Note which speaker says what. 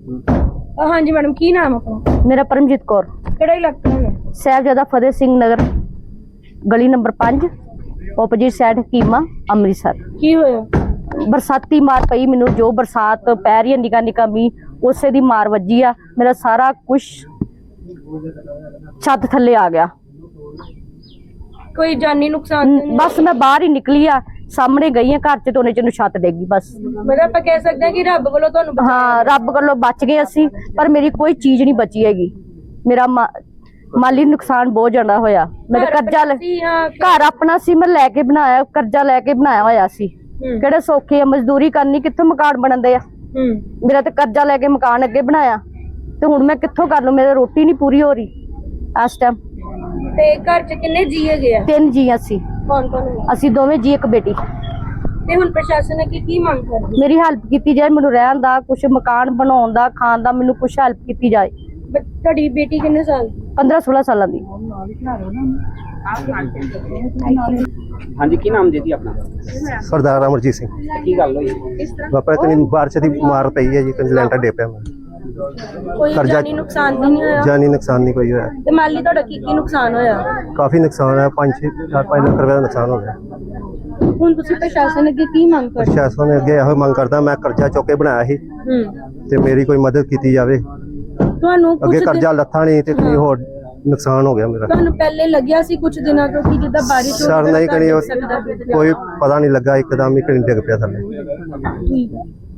Speaker 1: हाँ जी मैडम, की नाम अपना?
Speaker 2: मेरा परमजीत कौर।
Speaker 1: केड़ा इलाका है?
Speaker 2: साहिबजादा फतेह सिंह नगर, गली number 5, opposite side Hakima, Amritsar.
Speaker 1: की होया?
Speaker 2: बरसाती मार पई मैनू, जो बरसात पै रही है निका निका मींह, उसे दी मार वजी आ। मेरा सारा कुछ छत थल्ले आ गया।
Speaker 1: कोई जानी नुकसान?
Speaker 2: बस मैं बाहर ही निकली आ, सामने गई आ घर च तो उन्हें छत डेगी बस।
Speaker 1: मतलब आप कह सकते हैं कि रब कोलों तुहानू बचाया?
Speaker 2: हाँ, रब कोलों बच गए असी, पर मेरी कोई चीज नहीं बची हैगी। मेरा माली नुकसान बहुत ज्यादा होया। मेरे कर्जा घर अपना सी, मैं लैके बनाया, कर्जा लैके बनाया होया सी। किहड़े सौखे मजदूरी करनी, कित्थों मकान बनदे आ। मेरा ते कर्जा लैके मकान अगे बनाया, ते हुण मैं कित्थों कर लूं? मेरी रोटी नहीं पूरी हो रही इस टाइम।
Speaker 1: ते घर च किन्ने जी हैगे आ?
Speaker 2: 3 जी असी।
Speaker 1: कौन कौन है?
Speaker 2: असी दोवें जी, एक बेटी।
Speaker 1: ते हुण प्रशासन ने की मांग करदी?
Speaker 2: मेरी हेल्प की जाए, मैनू रहन दा, कुछ मकान बनाउण दा, खाण दा, मैनू कुछ हेल्प की जाए।
Speaker 1: तुहाडी बेटी किन्ने साल दी?
Speaker 2: 15-16 साल दी।
Speaker 3: हाँ जी, की नाम जी अपना?
Speaker 4: सरदार अमरजीत सिंह।
Speaker 3: की गल होई?
Speaker 4: वापस कहीं बारिश की मार पई है जी, कहीं लैंटर डे पिया।
Speaker 1: कोई जानी नुकसान नहीं होया?
Speaker 4: जानी नुकसान नहीं कोई होया।
Speaker 1: ते माली तुहाडा की नुकसान होया?
Speaker 4: काफी नुकसान है, 5-4 लाख रुपए का नुकसान हो गया।
Speaker 1: हुण तुसीं प्रशासन अगे की मांग करदे?
Speaker 4: प्रशासन ने अगे यही मंग करदा, मैं कर्जा चुक के बनाया ही ते मेरी कोई मदद की जाए।
Speaker 1: ਤੁਹਾਨੂੰ
Speaker 4: अगे कर्जा लत्था नहीं ते कोई होर नुकसान हो गया मेरा।
Speaker 1: ਤੁਹਾਨੂੰ ਪਹਿਲੇ ਲੱਗਿਆ ਸੀ ਕੁਝ ਦਿਨਾਂ ਤੋਂ ਕਿ ਜਿੱਦਾਂ ਬਾਰਿਸ਼ ਹੋ
Speaker 4: सर नहीं कहीं
Speaker 1: सकदा?
Speaker 4: कोई पता नहीं लगा, एकदम ही कहीं डिग पिया थल्ले।
Speaker 1: ठीक है।